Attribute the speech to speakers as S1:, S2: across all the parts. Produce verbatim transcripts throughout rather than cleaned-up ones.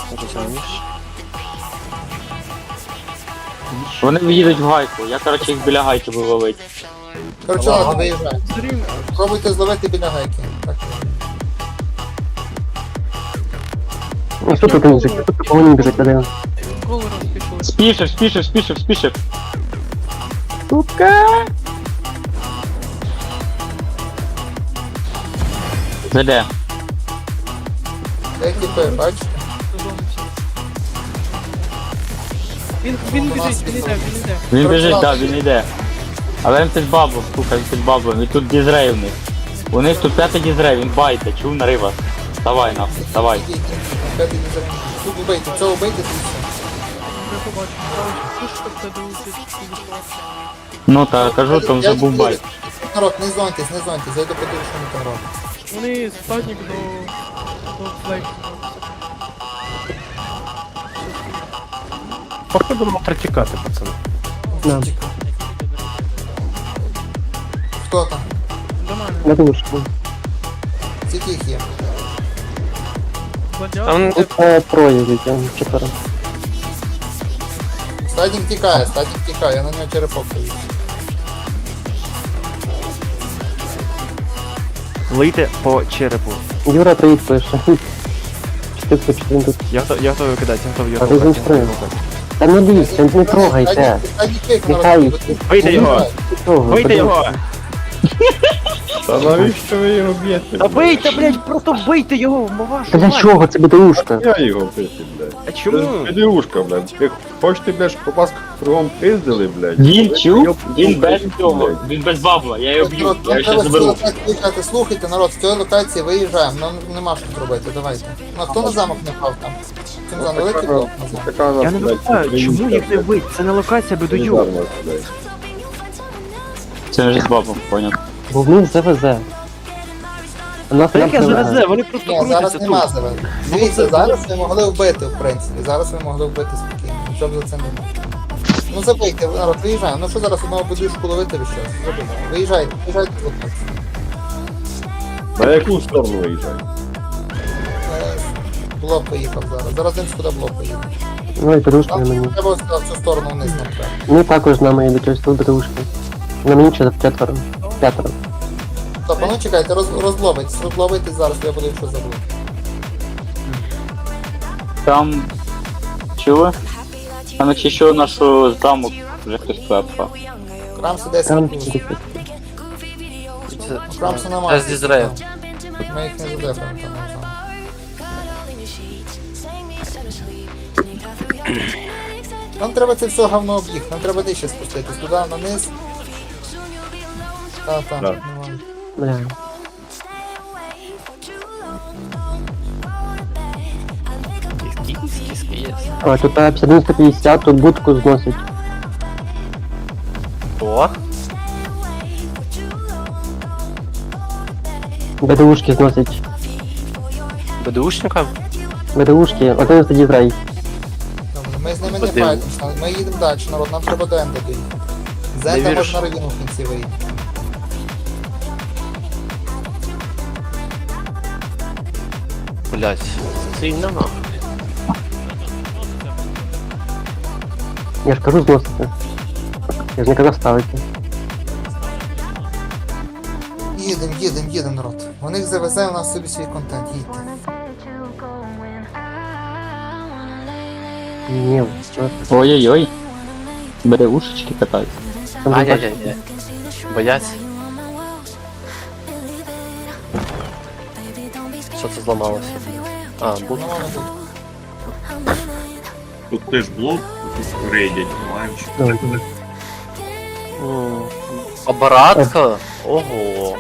S1: Розумієш?
S2: Вони їдуть в гайку, я короче їх біля гайки буду ловити.
S3: Короче, ладно, виїжджай. Пробуйте зловити біля гайки. Так.
S4: Ну що тут музик? Тут такого не біжить, один.
S1: Колором пішли.
S2: Спішив, спішив, спішив, спішив. Сука! Заде.
S3: Де тіпи, бачите?
S1: Він, він біжить, він іде, він іде.
S2: Він біжить, так, він йде. Але він під бабу, слухай, він під бабу, він тут дізрей у них. У них тут п'ятий дізрей, він байте, чув на риба. Давай нахуй, давай.
S3: Ідіть, п'ятий дізель. Тут убийте, цього убийте, тут все.
S1: Я побачив. Пушка в тебе летить, підійшла.
S2: Ну та кажу, там вже був байт.
S3: Народ, не зоньтесь, не зоньтесь, зайду подивлюсь, що вони там роблять.
S1: Вони статник до... до флейку.
S5: Походу можна тікати, пацани.
S4: Да.
S3: Хто там?
S1: До мене.
S4: На душку.
S3: Скільки їх є?
S1: Бадяг.
S5: Там
S4: Тут е, троє вітям, чотири.
S3: Стадік тікає, стадік тікає, я на нього черепок повів.
S5: лийте по черепу.
S4: Юра троїть пише. Чотири чотири тут.
S5: Я готовий, я готовий кидати, я готовий
S4: А
S5: його
S4: ти
S5: рухати.
S4: зінструй. Та не лізь, не трогайте.
S3: Стадік тікає,
S4: Нехай.
S3: народ.
S5: Вийди його!
S4: Не трогай,
S5: Вийди
S4: подивись.
S5: його!
S6: Та навіщо ви його б'єте?
S5: Та бийте, блядь, просто бийте його, вашу
S4: Та для
S5: мать!
S4: чого? Це БДУшка.
S6: Я його бити, блядь.
S5: А чому?
S6: Це підрюшка, блядь. Ви хочете, блядь, щоб вас кругом пиздили, блядь?
S2: Він чув, він
S6: Ну,
S2: без
S6: блядь.
S2: цього, він без бабла, я його б'ю,
S3: Народ,
S2: я
S3: нам
S2: його
S3: треба
S2: ще
S3: з цієї
S2: заберу.
S3: локації виїжджати. Слухайте, народ, з цієї локації виїжджаємо, нам нема що тут робити, давайте. Ну, а хто на замок не впав там? Цим за великий блок на замок.
S6: Така нас,
S5: Я не
S6: блядь,
S5: знаю, чому їх не бить? Це не локація бедую.
S6: солідарна, блядь.
S2: Це вже з бабом, поняв.
S4: Бо в них ЗВЗ. У нас
S5: Та яке
S4: нам немає.
S5: ЗВЗ, вони просто
S3: Ні, зараз
S5: крутяться
S3: нема
S5: тут.
S3: зараз. Дивіться, зараз ви могли вбити, в принципі. Зараз ви могли вбити спокійно. Нічого б за це не було. Ну забийте, народ, виїжджаємо. Ну що зараз одного будушку ловити ви щас? Забийте. Виїжджайте, виїжджайте з локації.
S6: На яку сторону виїжджає?
S3: Е, Блок поїхав зараз. Зараз він сюди блок поїхав.
S4: Ну і БДУшка на
S3: Нам
S4: мені.
S3: треба ось в цю сторону вниз нам треба.
S4: Ми також з нами йдуть ось тут БДУшки. На мені чот- четверо. П'ятеро.
S3: Стоп, а ну чекайте, роз, розловитесь, розловитесь зараз, я буду щось забув.
S2: Там... Чули? Там якщо що нашу замок вже хтось клепав.
S3: Крамсу десять
S4: Там
S3: плюс.
S4: чотири.
S3: Крамсу немає.
S1: З Дізрею.
S3: Ми їх не задефаємо там. не знаю. Нам треба це все говно об'їх, нам треба нижче спуститись, туди, на низ. Та, та,
S6: Да.
S3: нормально.
S4: Бля. А, тут а, п'ятдесят один сто п'ятдесят, тут будку зносить.
S5: О,
S4: БДУшки зносить.
S5: бедушникам?
S4: БДУшки, один тоді зрай.
S3: Добре, ми з ними не
S5: Подивимось.
S3: файтимося, ми їдемо далі, народ, нам треба до Енда доїхати. З
S5: Не
S3: Енда
S5: вірю,
S3: можна
S5: що-
S3: равіну в кінці вийти.
S5: Блять, сильно нахуй.
S4: Я ж кажу зносити. Я ж не казав ставити.
S3: Їдем, їдем, їдем, народ. У них завезе, у нас собі свій контент, їдьте.
S4: Ні, що?
S2: Ой-ой-ой. Бере ушечки катаються.
S4: Там же бачиш,
S5: Ай-яй-яй. Бояться. Що це зламалося? А,
S3: Ну,
S5: будка.
S3: воно тут.
S7: Тут теж блок, тут рейдять, маючи.
S4: добре.
S5: М, Оборатка? Ого.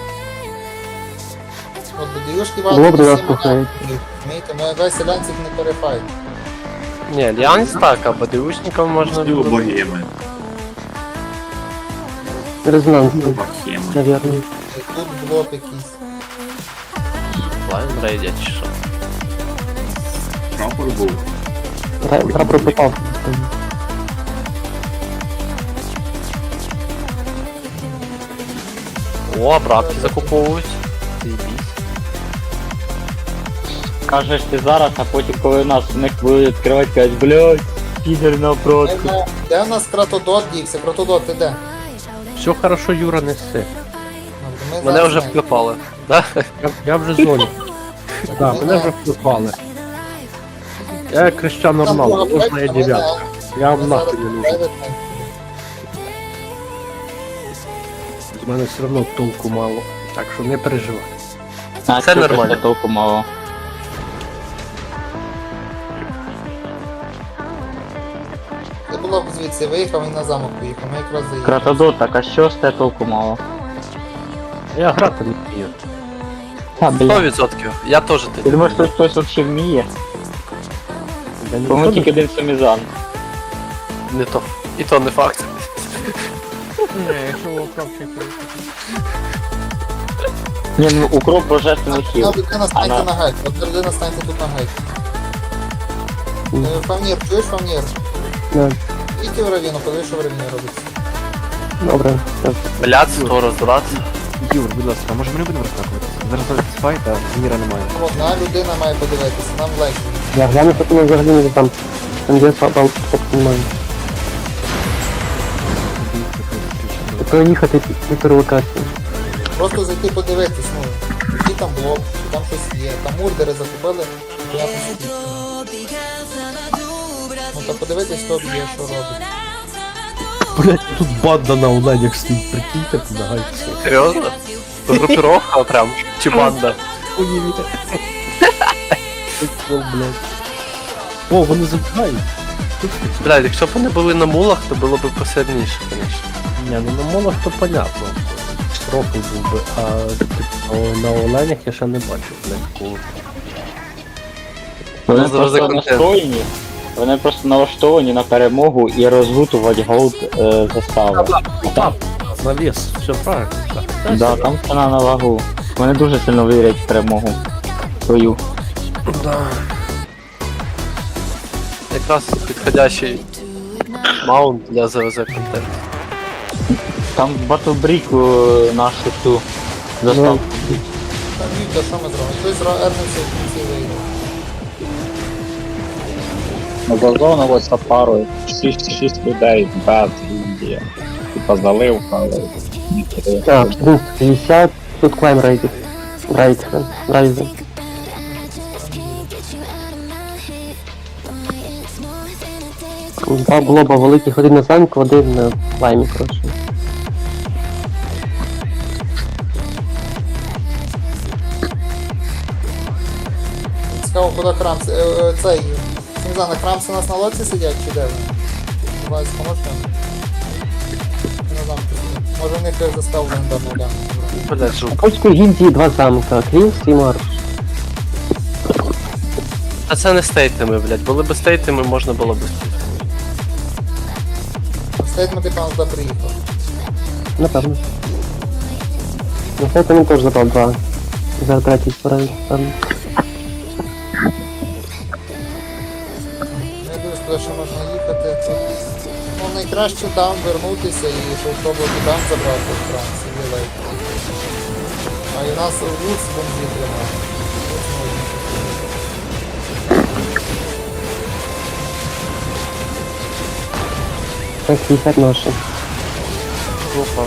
S3: От до діюшки
S4: Було б
S3: валить
S4: до нас
S3: всі
S4: кухають.
S3: Розумієте, ми весь селянців не перефайт.
S5: Не, альянс так, а бедушникам можна
S7: Стіло
S5: було.
S7: богеми.
S4: Резонанс,
S7: Богема.
S4: навірно.
S3: Тут блок якийсь.
S5: Лайн рейдять чи що?
S7: Прапор був.
S4: Прапор попав.
S5: О, обратки закуповують. Заебись.
S2: Скажеш ти зараз, а потім коли нас у них будуть відкривати, кажуть, блядь, підер на обродку.
S3: Де- Де в нас Кратодот дівся? Кратодот, ти де?
S5: Все хорошо, Юра, неси.
S3: Ми
S5: Мене
S3: зараз
S5: вже
S3: знаємо.
S5: вклепали. Да?
S6: Я, я вже в зоні. Да, мене вже впали. Я Крещан
S3: Там
S6: Роналду,
S3: друга
S6: можна я
S3: пачка, ми
S6: дев'ятка.
S3: не-
S6: Я
S3: ми
S6: вам нахуй
S3: зараз
S6: не нужен.
S3: private
S6: З мене все одно толку мало. Так що не переживай.
S2: А
S5: Це
S2: чого
S5: нормально.
S2: ще толку мало?
S3: Ти було б звідси виїхав і на замок поїхав, ми якраз заїхали.
S2: Кратодот, так а що з те толку мало?
S6: Я грати не вмію.
S2: А,
S5: Сто
S2: блядь.
S5: відсотків. Я теж
S2: Ти
S5: ти.
S2: думаєш, що хтось взагалі вміє?
S6: Я не
S2: По-моєму,
S6: знаю.
S2: тільки один сумізан.
S5: Не то. І то не факт.
S1: Ні, якщо окропчик.
S2: Ні, ну укроп божественний хіл.
S3: Одна людина станьте
S2: Ана.
S3: на гайд, одна людина станьте тут на гайд. Е, Фамір, чуєш Фамір?
S4: Да.
S3: Ідіть в равіну, подивись, що в равіні робиться.
S4: Добре. Так.
S5: Блядь, сто роздратися.
S8: Юр, будь ласка, а може ми не будемо розкакувати? Зараз зараз файт, а міра немає.
S3: Одна людина має подивитися, нам легше.
S4: Я гляну, що там взагалі не там. Там є там немає. Проїхати півтори локації.
S3: Просто зайти подивитись, ну, який там блок, чи там щось є. Там мурдери закупили, то я посидів. Ну та подивитись, хто б'є, що робить.
S6: Блять, тут банда на оленях стоїть, прикиньте, помагайте.
S5: Серйозно? Групіровка прям. Чи банда?
S6: О, вони забігають.
S5: Блядь, якщо б вони були на мулах, то було б посильніше, звісно.
S6: Ні, ну на молах то понятно. Трохи був би, а типу, на оленях я ще не бачив, блядь, такого.
S2: Вони
S5: Ну, завжди
S2: просто
S5: контент.
S2: настроєні, вони просто налаштовані на перемогу і розгутувати голд е, застави.
S6: Так, навіс, все правильно. Так.
S2: Да, там ціна на вагу. Вони дуже сильно вірять в перемогу свою.
S5: Якраз підходящий маунт для ЗВЗ контенту.
S2: Там батлбріку нашу ту заставку.
S3: Там Віта, що ми зробимо? Хтось ернеться в кінці вийде.
S9: Ну, базону ось пару, шість людей, бед, Індія. Типа заливка, але...
S4: Так, буст п'ятдесят, тут клайм рейдит. Райден, райден. Два блоба великих, один на замку, один на клаймі, коротше.
S3: Цікаво, куди Крамс, е, е, цей, Сімзана, Крамси у нас на лодці сидять чи де вони? Вась, поможеш нам? Не знаю, може в них заставу легендарну гляну.
S5: Блядь, жук.
S4: У польської гільдії два замка, Крілс і Марш.
S5: А це не стейтами, блядь. Були б стейтами, можна було б.
S3: Стейтмент, ти пан туди приїхав.
S4: Напевно. На сайті він теж забрав два. Зараз третій справді, певно.
S3: Я дивлюсь, куди ще можна їхати. Тут, ну, найкраще там вернутися і щоб пробувати там забрати в Франції, вілей. А і нас Луц бомбі тримає. Луц можна.
S4: Так, п'ятдесят ноші.
S5: Опа.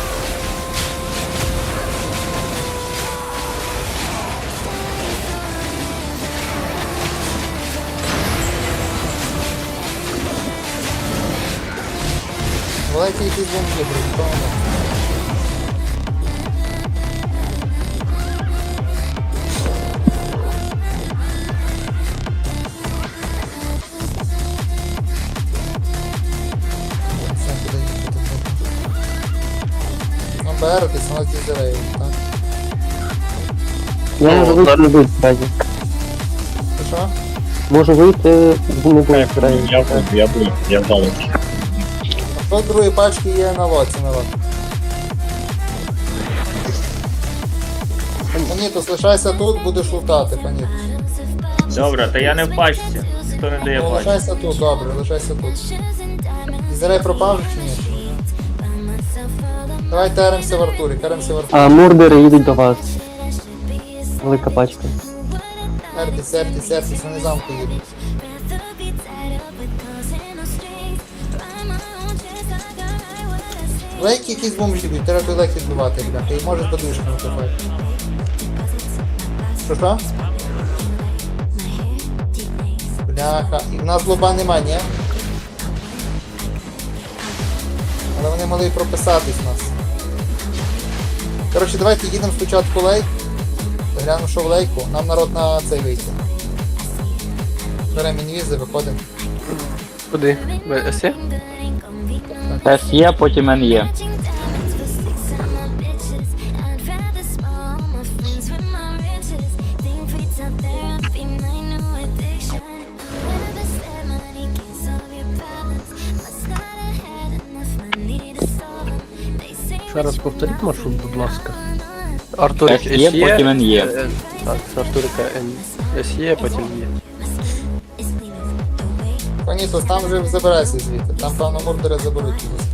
S3: Давайте якісь бомбі, правильно? Все, куди їхати? Ну, беретесь, у нас дізелею, так?
S4: Я
S5: Ну,
S4: можу вийти,
S5: так.
S4: не буде справді.
S3: Ти що?
S4: Можу вийти, не буде справді.
S9: Я буду, я буду, я вдалечі.
S3: Хто другої пачки є на лоці, на лоці? Панітус, лишайся тут, будеш лутати, Панітус.
S7: Добре, та я не в пачці. Хто не дає
S3: Ну,
S7: пачку?
S3: лишайся тут, добре, лишайся тут. Дізелей пропав же чи ні? Давай теремося в Артурі, теремося в Артурі.
S4: А мурдери їдуть до вас. Велика пачка.
S3: Ертіс, Ертіс, Ертіс, вони замку їдуть. Лейки якісь бомжі б'ють, треба той лейк відбивати, бляха, і може з подушками копати. Що що? Бляха, і в нас лоба нема, ні? Але вони могли й прописатись в нас. Коротше, давайте їдемо спочатку лейк. Глянемо, що в лейку. Нам народ на цей вийти. Беремо інвізи, виходимо.
S5: Куди? СЄ?
S2: С є, потім Н є.
S6: Ще раз повторіть маршрут, будь ласка.
S5: Артурик
S2: С є, потім Н є.
S5: Е, Так, з Артурика Н. СЄ, потім Є.
S3: Панісос, там вже забирайся звідти. Там, певно, мурдери заберуть його.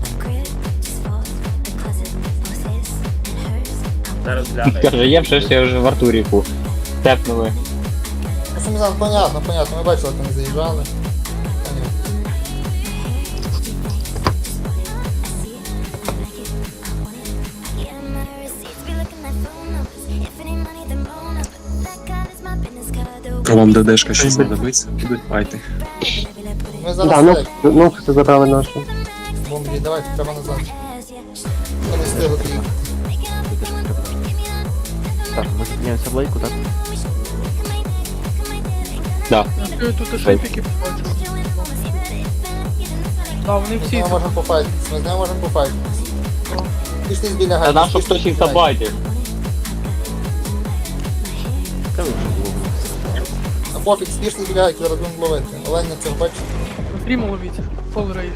S7: Зараз гляну.
S2: Каже, є все, що я вже в Артуріку. Тепнули.
S3: Ну, Сумізан, понятно, понятно. Ми бачили, як вони заїжджали. Понятно.
S10: А вам ДДшка щось знадобиться? Будуть файти.
S3: Ми
S4: Да,
S3: зараз
S4: ну,
S3: лейк.
S4: ну, це забрали нашу.
S3: Бомблі, давайте, треба назад. Ми не встигли доїхати.
S8: Так, ми зупиняємося в лейку, так?
S2: Да.
S1: Я тут шейпики побачив. А, вони
S3: Ми з
S1: всі
S3: ними можемо пофайтитись, ми з ними можемо пофайтитись. Пішли біля
S2: Та
S3: гайки.
S2: нам, щоб хтось їх забайтив.
S8: Та ви вже було.
S3: А пофіг, спішли біля гайки, зараз будемо ловити. Оленя цього бачить.
S1: стріму ловіть. Фол рейд.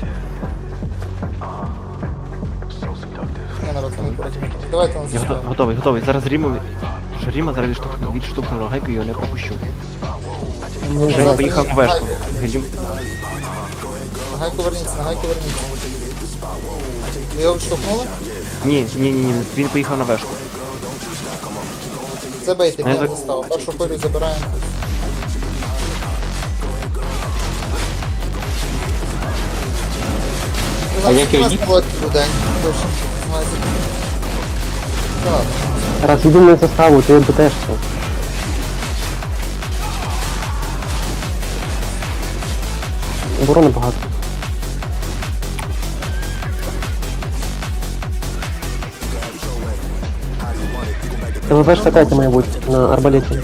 S3: Ні, народ, ми проти. Давайте нас
S8: Я готов-
S3: заставимо.
S8: готовий, готовий. Зараз Ріму... Що Ріма зараз відштовхну, відштовхну гайку і його не пропущу.
S3: Ну,
S8: Ріма
S3: зараз
S8: поїхав на
S3: гайку.
S8: вешку. Рім...
S3: На гайку верніться, на гайку верніться. Ви його відштовхнули?
S8: Ні, ні, ні, ні, він поїхав на вешку.
S3: Забейте,
S8: Не
S3: він
S8: за-
S3: заставу. Першу хвилю забираємо.
S2: А як його ні?
S3: Людей. Точно. Знаєте. Та ладно.
S4: Раз їдемо на заставу, то я б теж це. Оборони багато. Це ВВшка третя має бути на арбалеті.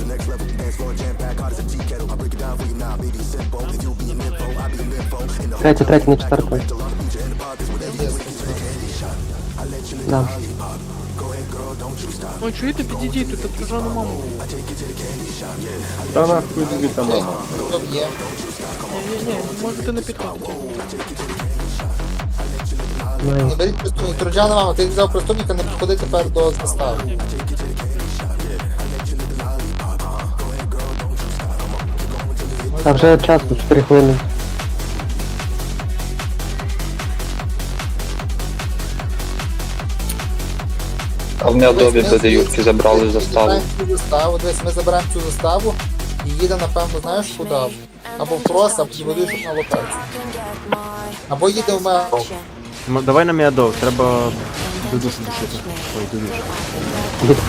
S4: Третя, третя, не четверта. Да.
S1: Ой, чуєте, підійдіть, тут ображану маму.
S9: Та нахуй звідти мама.
S3: Хто б'є?
S1: Ні-ні-ні, можете не підходити.
S3: Не
S4: Найс.
S3: беріть преступник. Троджана мама, ти взяв преступника, не підходи тепер до застави.
S4: А вже час, чотири хвилини.
S9: А в Мядові де Юрки забрали заставу.
S3: Ми забираємо цю заставу, дивись, ми забираємо цю заставу і їдемо, напевно, знаєш куди? Або в крос, або підводиш на локацію. Або їдемо в Мео.
S8: М- Давай на Міадов, треба додушу душити. Ой, додушу.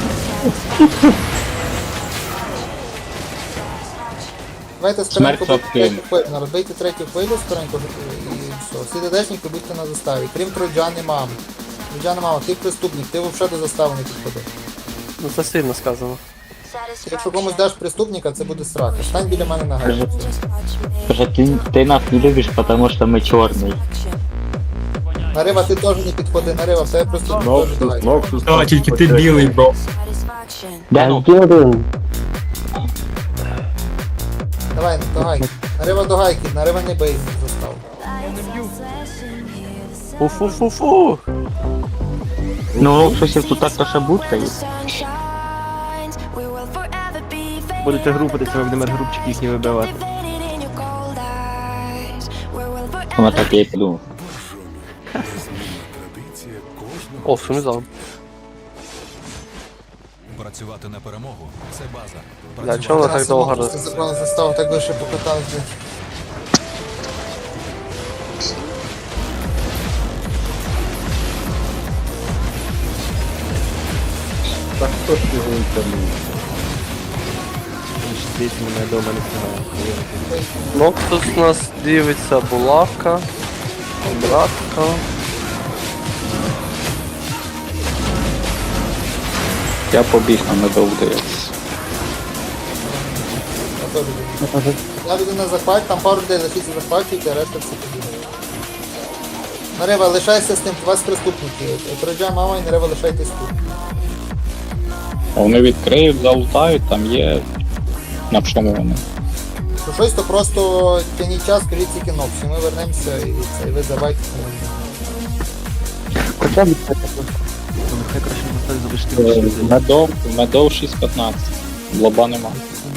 S3: Давайте скоренько
S2: Смерть
S3: бити
S2: Сапкин.
S3: третю хвилю, розбийте третю хвилю скоренько і все. Всі дедешники будьте на заставі, крім Троджани мами. Троджана мама, ти преступник, ти взагалі до застави не підходи.
S5: Ну це сильно сказано.
S3: Якщо комусь даш преступника, це буде срака. Стань біля мене на гайку.
S2: Каже, ти, ти нас не любиш, потому що ми чорний.
S3: Нарива, ти теж не підходи, Нарива, в тебе преступник теж давай.
S10: А, тільки ти білий, бро.
S2: Де ну?
S4: Один один.
S3: Давай, до гайки. Нарива до гайки, Нарива не бий заставу.
S1: Я не б'ю.
S5: Фу-фу-фу-фу!
S2: Ну, щось тут так то ще будка є.
S8: Будете групитися, ми будемо групчики їхні вибивати.
S2: Вона так я і подумав.
S5: О, Сумізан.
S11: Працювати на перемогу це база.
S5: Для чого ви так довго роз...
S3: Забрали заставу, так би ще покатався.
S6: Так хто ж його інтернує? Дійсно, мене дома не встигає.
S5: Ну, тут у нас дивиться булавка, братка.
S9: Я побіг на медов дивитися.
S3: Я теж люблю. Я піду на захват, там пару людей лишиться захвачують, а решта все побігає. Нарева, лишайся з тим, у вас приступники. Троджа, мама і Нарева, лишайтесь тут.
S9: Вони відкриють, залутають, там є. На чому вони?
S3: Що щось, то просто тяніть час, скажіть тільки ноксі. Ми вернемося і це, і ви давайте.
S4: Хоча б це
S8: Ну, нехай краще на столі залишити
S9: Е,
S8: більше.
S9: Медов, медов шість п'ятнадцять. Лоба нема.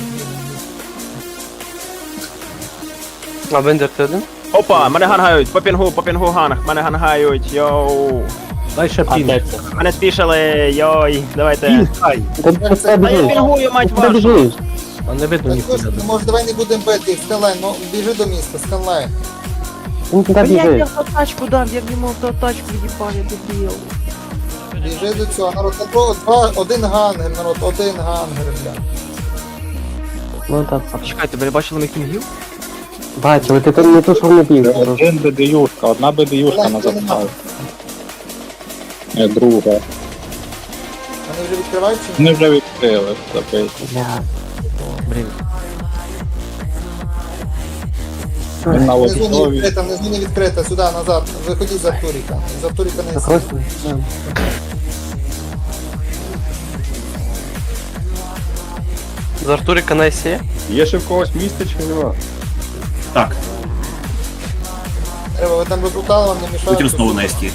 S5: А Бендер ти один?
S8: Опа, мене гангають, по пінгу, по пінгу ганг, мене гангають, йоу.
S6: Дай ще
S2: А
S6: пін.
S2: де це?
S8: Мене спішали, йой, давайте.
S6: Ай,
S4: Та ти
S3: Це-
S8: А я
S4: біжиш.
S8: пінгую, мать
S4: Куди
S8: вашу.
S4: біжиш?
S6: а не видно
S3: Так,
S6: ніхуя.
S3: слушай, може давай не будемо бити, Скайлайн, ну біжи до міста, Скайлайн.
S4: Він туди
S1: Блядь, я
S4: біжить.
S1: в тачку дав, я в ньому в тачку їбав, я дебіл.
S3: Біжи до цього, народ, на два, два, один гангер, народ, один гангер, бля.
S4: Ну так.
S8: А почекайте, ви не бачили моїх пінгів?
S4: Бачили, ти там не то, що в не біг.
S9: Один бедеюшка, одна бедеюшка на заставі. Е, Друга.
S3: Вони вже відкривають чи ні?
S9: Вони вже відкрили, забить.
S4: Бля.
S8: Блін.
S9: Він на
S3: Внизу не
S9: лобові.
S3: відкрита, внизу не відкрита, сюди, назад, виходіть з Артуріка. З Артуріка не
S4: Просто. да.
S5: З Артуріка на есі?
S6: Є ще в когось місце чи нема?
S3: треба, ви там розлутали, вам не мішають.
S11: Путін знову на СТ.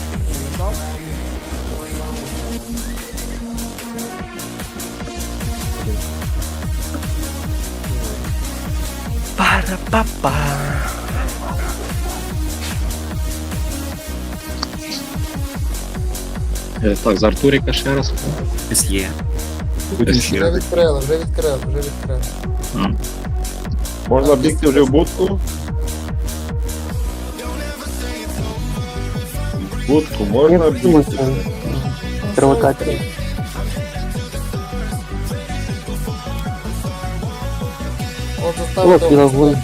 S5: Пара-па-па.
S10: Е, Так, з Артуріка ще раз.
S11: СЄ.
S3: Вже відкрили, вже відкрили, вже відкрили.
S6: Можна бігти вже в будку? В будку
S4: Я
S6: можна
S4: втримуюся.
S6: бігти.
S4: Провокація.
S3: От заставили.
S4: Лок і лагун.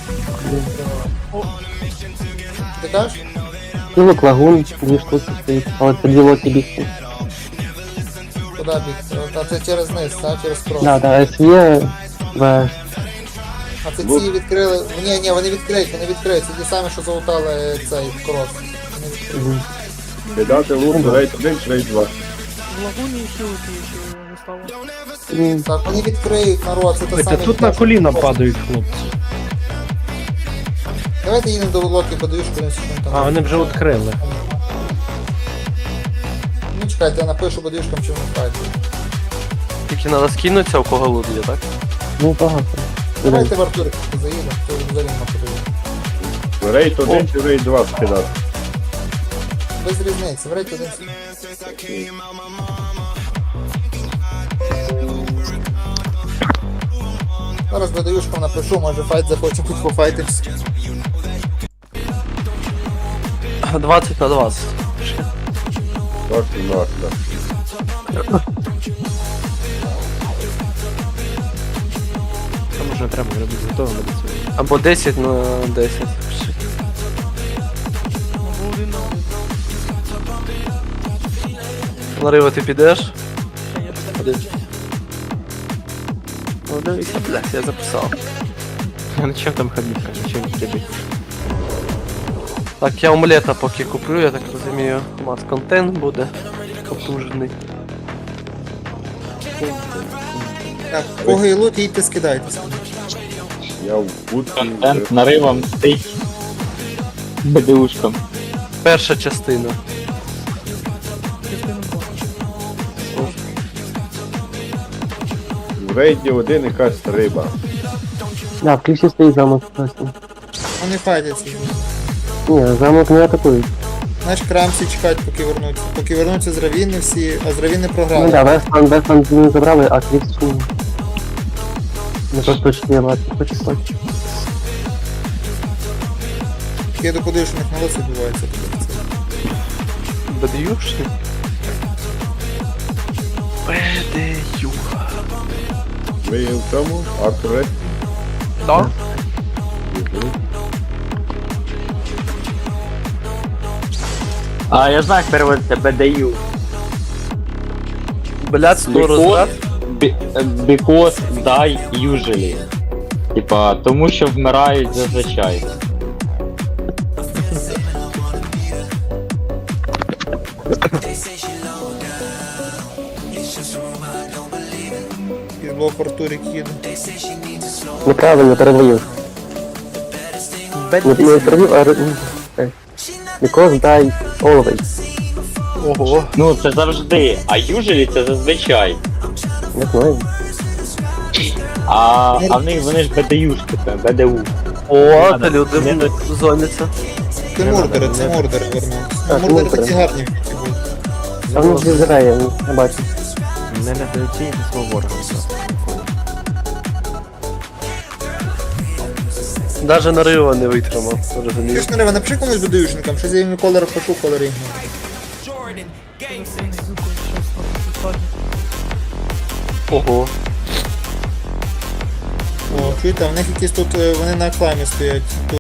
S3: Ти кажеш?
S4: Кілок лагун, дві штуки стоїть. Але це дві локи бігти.
S3: Куди бігти? А це через низ, а через кров.
S4: Да, да, ес є, в
S3: А це ці відкрили. Ні, ні, вони відкриють, вони відкриють. Це ті самі, що залутали цей крос. Вони відкриють.
S6: Кидати лук, рейд один чи рейд два.
S1: В лагуні хілки ще не стало.
S3: Так, вони відкриють, народ, це те
S6: Та
S3: саме.
S6: тут на коліна падають хлопці.
S3: Давайте їдемо до локи, подивись, що він там.
S6: А, вони вже відкрили.
S3: Ну чекайте, я напишу бодюшкам, чи вони впадуть.
S5: Тільки треба скинутися, у кого лут є, так?
S4: ну багато.
S3: Давайте в Артурик заїдемо, то взагалі не подивимо.
S6: Рейд один чи рейд два скидати.
S3: Без різниці, в рейті один. Зараз бодюшкам напишу, може файт захоче тут пофайтимся.
S5: двадцять на двадцять.
S6: Так, так, так.
S8: Там уже треба робити готовим до цього.
S5: Або десять на десять.
S1: Або один на один.
S5: Нарива, ти підеш?
S1: Та я туди.
S5: Ну дивися, блядь, я записав.
S8: А на чим там ходити, на чим тебе?
S5: Так, я омлета поки куплю, я так розумію. У нас контент буде потужний.
S3: Так, кого і лут, їдьте скидайтеся.
S6: Я в будку.
S2: Контент наривом стить. Бедеушком.
S5: Перша частина.
S1: Частину два.
S6: В рейді один якась риба.
S4: Да, в кліпсі стоїть замок. Просто.
S3: Вони файтяться.
S4: Ні, замок не атакують.
S3: Знаєш, крамсі чекають, поки вернуться. Поки вернуться з равіни всі, а з равіни програли.
S4: Ну да, Вестланд, Вестланд не забрали, а Крікс не просто чотири лапки, хоч хоч.
S3: Я доподаю, що в них молодці відбувається.
S5: Бедюшні? Бедю.
S10: Ви в цьому? Артуре?
S5: Да?
S2: А я знаю, як переводиться бе де ю.
S5: Блядство
S2: Because,
S5: розряд.
S2: be- because die usually. Типа, тому що вмирають зазвичай.
S3: І блок Артурик їде.
S4: Неправильно перевів. Не, не перевів, а... ре- е. Because die always.
S5: Ого.
S2: Ну, це завжди, а usually це зазвичай.
S4: Не знаю.
S2: А, а в них вони ж бе де юшки, це бе де у.
S5: О, та люди зоняться.
S3: Це мордери, це мордери вернувся.
S4: А,
S3: Ну,
S4: це
S3: мордери
S4: мордери.
S3: такі гарні в були.
S4: А воно ж зіграє, не бачу.
S8: Не недооцінюйте свого ворога.
S5: Даже нарива не витримав,
S3: Ти
S5: розумієш?
S3: ж не напиши комусь бедуюшникам, що я їм колер пишу, колер їм.
S5: Ого.
S3: О, чуєте, а в них якісь тут, е, вони на акламі стоять.